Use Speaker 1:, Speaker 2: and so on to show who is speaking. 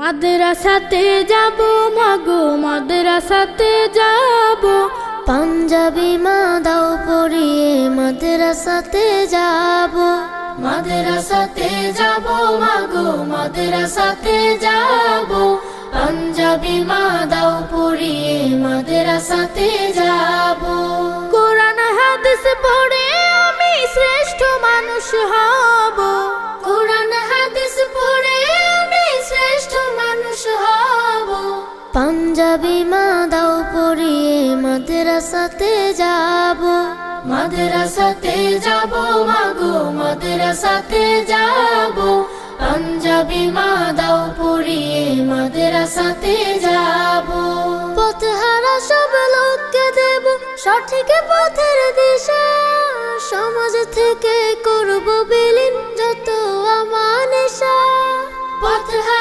Speaker 1: মাদ্রাসাতে যাব মাগো মাদ্রাসাতে যাব,
Speaker 2: পাঞ্জাবি মা দাও পরিয়ে মাদ্রাসাতে যাব।
Speaker 1: মাদ্রাসাতে যাব মাগো মাদ্রাসাতে যাব, পাঞ্জাবি মা দাও পরিয়ে মাদ্রাসাতে যাব। কোরআন হাদিস পড়ে আমি শ্রেষ্ঠ মানুষ হব, কোরআন হাদিস পড়ে আমি শ্রেষ্ঠ মানুষ হব।
Speaker 2: পাঞ্জাবি মা দাও পরিয়ে মাদ্রাসাতে যাব।
Speaker 1: মাদ্রাসাতে যাব মাগো মাদ্রাসাতে যাব, পাঞ্জাবি মা দাও পরিয়ে মাদ্রাসাতে যাব।
Speaker 2: পথহারা সব লোককে দেব সঠিক পথের দিশা, সমাজ থেকে করব বিলীন যত আমানিশা।